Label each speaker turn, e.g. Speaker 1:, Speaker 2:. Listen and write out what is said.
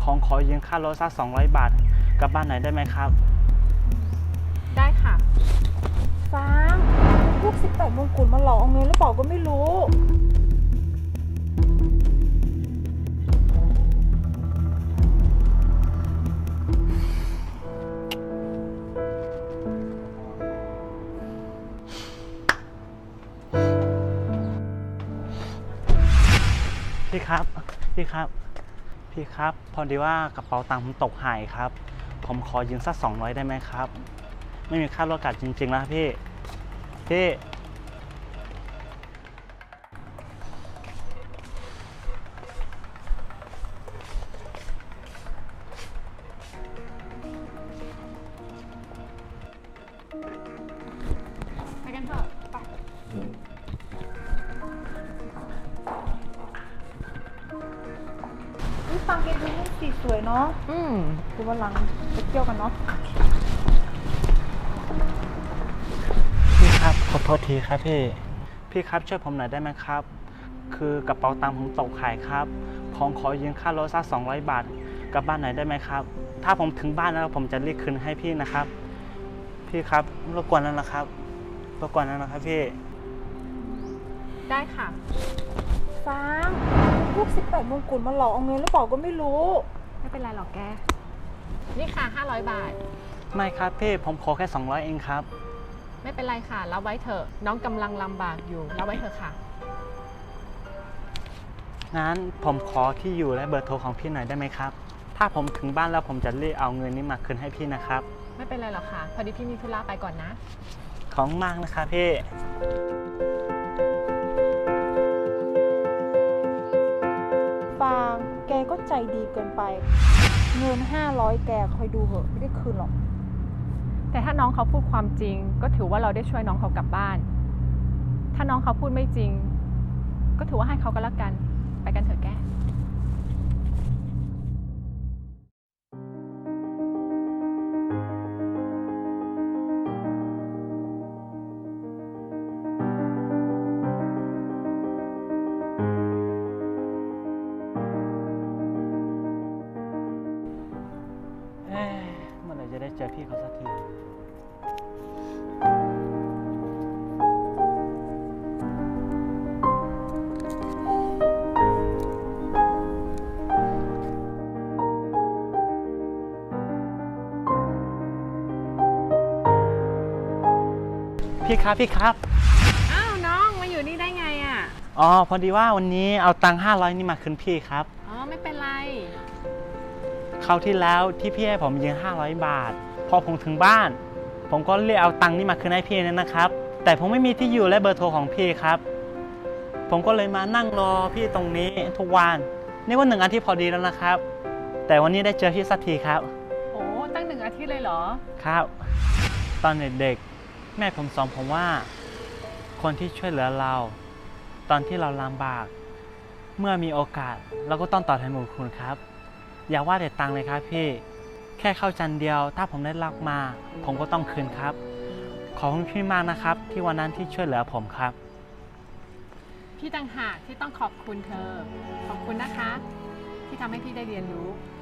Speaker 1: ผมขอยืมค่ารถสัก200 บาทกลับบ้านหน่อยได้ไหมครับ
Speaker 2: ได้ค่ะ
Speaker 3: ฟางพวก18มงกุฎมาหลอกเอาเงินหรือเปล่าก็ไม่รู้
Speaker 1: พี่ครับพี่ครับพี่ครับพอดีว่ากระเป๋าตังค์ผมตกหายครับผมขอยืมสัก200ได้ไหมครับไม่มีค่ารถกลับจริงๆแล้วพี่
Speaker 2: ไปกันเถอะไป
Speaker 3: นี่ฟางแกดูนี่สีสวยเนาะคือวันหลังไปเที่ยวกันเนาะ
Speaker 1: พี่ครับขอโทษทีครับพี่ครับช่วยผมหน่อยได้ไหมครับคือกระเป๋าตังค์ผมตกหายครับผมขอยืมค่ารถสัก200 บาทกลับบ้านหน่อยได้ไหมครับถ้าผมถึงบ้านแล้วผมจะรีบคืนให้พี่นะครับพี่ครับรบกวนแล้วนะครับพี่
Speaker 2: ได้ค่ะ
Speaker 3: ฟางพวก18มงกุฎมาหลอกเอาเงินหรือเปล่าก็ไม่รู้
Speaker 2: ไม่เป็นไรหรอกแก นี่ค่ะ500 บาท
Speaker 1: ไม่ครับพี่ผมขอแค่200เองครับ
Speaker 2: ไม่เป็นไรค่ะรับไว้เถอะ น้องกำลังลำบากอยู่รับไว้เถอะค่ะ
Speaker 1: งั้นผมขอที่อยู่และเบอร์โทรของพี่หน่อยได้ไหมครับถ้าผมถึงบ้านแล้วผมจะรีบเอาเงินนี้มาคืนให้พี่นะครับ
Speaker 2: ไม่เป็นไรหรอกค่ะ พอดีพี่มีธุระไปก่อนนะ
Speaker 1: ขอบคุณมากนะครับพี่
Speaker 3: ฟางแกก็ใจดีเกินไป เงิน500แกคอยดูเหอะไม่ได้คืนหรอก
Speaker 2: แต่ถ้าน้องเขาพูดความจริง ก็ถือว่าเราได้ช่วยน้องเขากลับบ้าน ถ้าน้องเขาพูดไม่จริง ก็ถือว่าให้เขาก็แล้วกัน ไปกันเถอะแก
Speaker 1: เอ๊ะเมื่อไหร่จะได้เจอพี่เขาสักทีพี่ครับ
Speaker 2: อ้าวน้องมาอยู่นี่ได้ไงอ่ะ
Speaker 1: อ๋อพอดีว่าวันนี้เอาตังค์500นี่มาคืนพี่ครับ
Speaker 2: อ๋อไม่เป็นไร
Speaker 1: คราวที่แล้วที่พี่ให้ผมยืม500 บาท พอผมถึงบ้าน ผมก็เรียกเอาตังค์นี่มาคืนให้พี่นั่นนะครับ แต่ผมไม่มีที่อยู่และเบอร์โทรของพี่ครับ ผมก็เลยมานั่งรอพี่ตรงนี้ทุกวันนี่ว่า1 อาทิตย์พอดีแล้วนะครับ แต่วันนี้ได้เจอพี่สักทีครับ
Speaker 2: โอ้ตั้ง1 อาทิตย์เลยเหรอ
Speaker 1: ครับ ตอนเด็กๆแม่ผมสอนผมว่า คนที่ช่วยเหลือเรา ตอนที่เราลำบาก เมื่อมีโอกาสเราก็ต้องตอบแทนบุญคุณครับ อย่าว่าแต่ตังค์เลยครับพี่แค่ข้าวจานเดียว ถ้าผมได้รับมา ผมก็ต้องคืนครับ ขอบคุณพี่มากนะครับ ที่วันนั้นที่ช่วยเหลือผมครับ
Speaker 2: พี่ต่างหากที่ต้องขอบคุณเธอ ขอบคุณนะคะ ที่ทำให้พี่ได้เรียนรู้